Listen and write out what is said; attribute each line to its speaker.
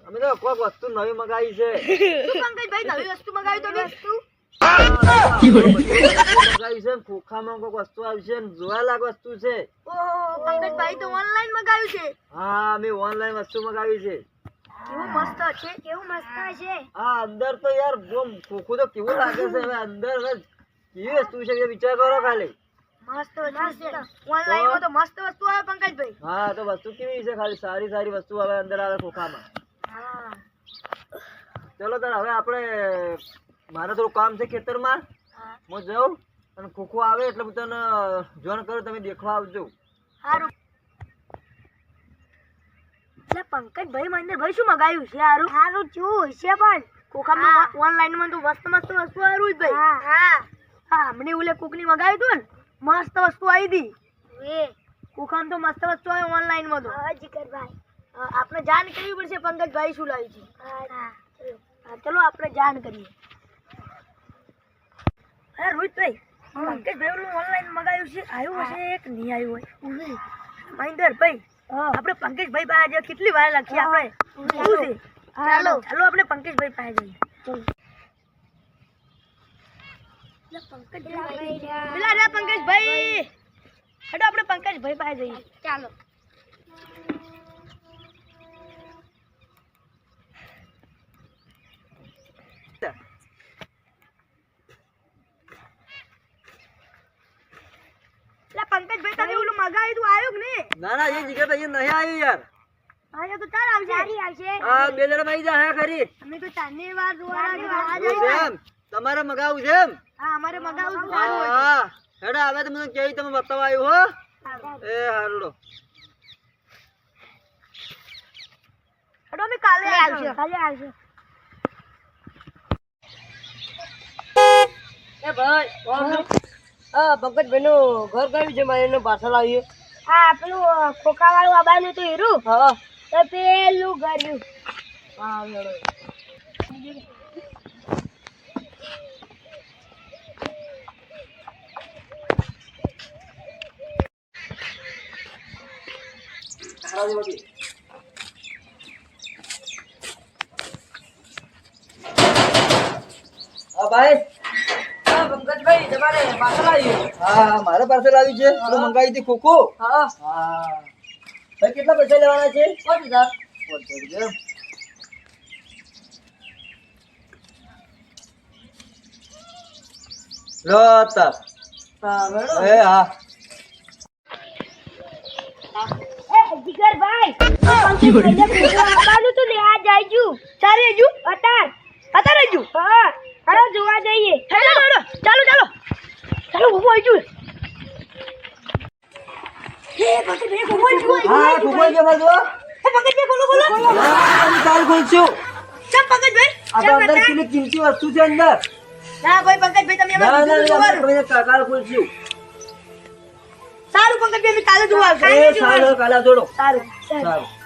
Speaker 1: અમે તો કોઈક વસ્તુ નવી મગાવી છે.
Speaker 2: પંકજભાઈ નવી વસ્તુ મગાવી તો વસ્તુ
Speaker 1: મગાવી છે. ખોખામાં કોઈક વસ્તુ આવી છે, જોવાલાયક વસ્તુ છે.
Speaker 2: ઓહો પંકજભાઈ તો ઓનલાઈન મગાવ્યું છે.
Speaker 1: હા અમે ઓનલાઈન વસ્તુ મગાવી છે.
Speaker 2: કેવું મસ્ત છે, કેવું મસ્ત છે.
Speaker 1: હા અંદર તો યાર બોમ ખોખું તો કેવું લાગે છે. હવે અંદર કેવી વસ્તુ છે એ વિચાર કરો ખાલી.
Speaker 2: મસ્ત વસ્તુ છે. ઓનલાઈન માં તો મસ્ત વસ્તુ આવે પંકજભાઈ.
Speaker 1: હા તો વસ્તુ કેવી છે ખાલી સારી સારી વસ્તુ હવે અંદર આવે ખોખામાં.
Speaker 2: હા
Speaker 1: ચલો તાર હવે આપણે મારે થોડું કામ છે ખેતરમાં. હું જાઉં અને ખોખો આવે એટલે હું તને જોઈન કરું, તમે દેખવા આવજો.
Speaker 2: સારું. એટલે પંકજભાઈ મહેન્દ્રભાઈ શું મગાવ્યું છે? સારું સારું શું છે પણ ખોખામાં ઓનલાઈન માં તો મસ્ત મસ્ત વસ્તુ આવી જ ભાઈ. હા હા હમણે ઓલે કોકની મગાવ્યું હતું ને મસ્ત વસ્તુ આવી હતી. ખોખામાં તો મસ્ત વસ્તુ આવે ઓનલાઈન માં તો. હા જીગરભાઈ આપણે જાણ કરવી પડશે પંકજભાઈ શું લાવ્યું છે. હા ચલો આપણે જાણ કરીએ. અરે રોહિતભાઈ પંકજભાઈ ઓનલાઈન મગાવ્યું છે, આવ્યું હશે એક નહીં આવ્યું હોય. મહેન્દ્રભાઈ આપણે પંકજભાઈ પાસે કેટલી વાર લખીએ આપણે. ચાલો ચાલો આપણે પંકજભાઈ પાસે જઈએ. પેલા રે પંકજભાઈ હેડો આપણે પંકજભાઈ પાસે જઈએ. ચાલો પંકજભાઈ તમે ઓલું મગાવ્યું તું આવ્યું કે નહીં?
Speaker 1: ના ના એ જગ્યા તો નહીં આવ્યું યાર.
Speaker 2: આયા તો ચાલ આવશે. સારી આવશે.
Speaker 1: હા બે જણા આવી જા હે ખરી.
Speaker 2: અમે તો ચાંદની વાર જોવા
Speaker 1: એમ તમારે મગાવું છે એમ?
Speaker 2: હા અમારે મગાવું છે.
Speaker 1: હા હેડા હવે તમે કેવી તમે બતાવવા આવ્યું હો. એ હારડો
Speaker 2: હેડો અમે કાલે આવશે. કાલે આવશે.
Speaker 3: એ ભાઈ હા પંકજભાઈ નું ઘર કયું છે? મારે એનું પાર્સલ આવ્યું.
Speaker 2: હા પેલું ખોખા વાળું આબાનું તો હીરું.
Speaker 3: હા
Speaker 2: તો પેલું કર્યું.
Speaker 3: હા
Speaker 1: હા ભાઈ.
Speaker 3: પંકજભાઈ તમારે પાર્સલ આવ્યું.
Speaker 1: હા મારે પાર્સલ આવ્યું છે. પેલું મંગાવી હતી ખોખો.
Speaker 3: હા
Speaker 1: હા ભાઈ કેટલા પૈસા લેવાના છે?
Speaker 3: 5000.
Speaker 1: 5000 લો તા.
Speaker 3: હા મેડમ.
Speaker 1: એ હા
Speaker 2: એ જીગરભાઈ પંકજભાઈને ખોખા આબાનું તો લેવા જાયજુ. ચાલે જુ અતાર જુ. હા હાલો જોવા જઈએ. ચાલો ચાલો ચાલો ચાલો ઉભો આઈજુ. એ પંકજભાઈ ઉભો આઈજુ.
Speaker 1: હા ખોખો કે માર જો.
Speaker 2: એ પંકજભાઈ બોલો બોલો.
Speaker 1: હા કાલ ખોલશું.
Speaker 2: ચમ પંકજભાઈ
Speaker 1: આ તો અંદર કેટલી કિંમતી વસ્તુ છે અંદર.
Speaker 2: ના ભાઈ પંકજભાઈ તમે
Speaker 1: ના
Speaker 2: અમારું
Speaker 1: ના
Speaker 2: બીજું
Speaker 1: ના
Speaker 2: જોવાનું.
Speaker 1: તમે કાલ ખોલશું.
Speaker 2: સારું પંકજભાઈ અમે કાલે જોવા આવશે.
Speaker 1: એ સારું કાલે જોડો.
Speaker 2: સારું
Speaker 1: સારું.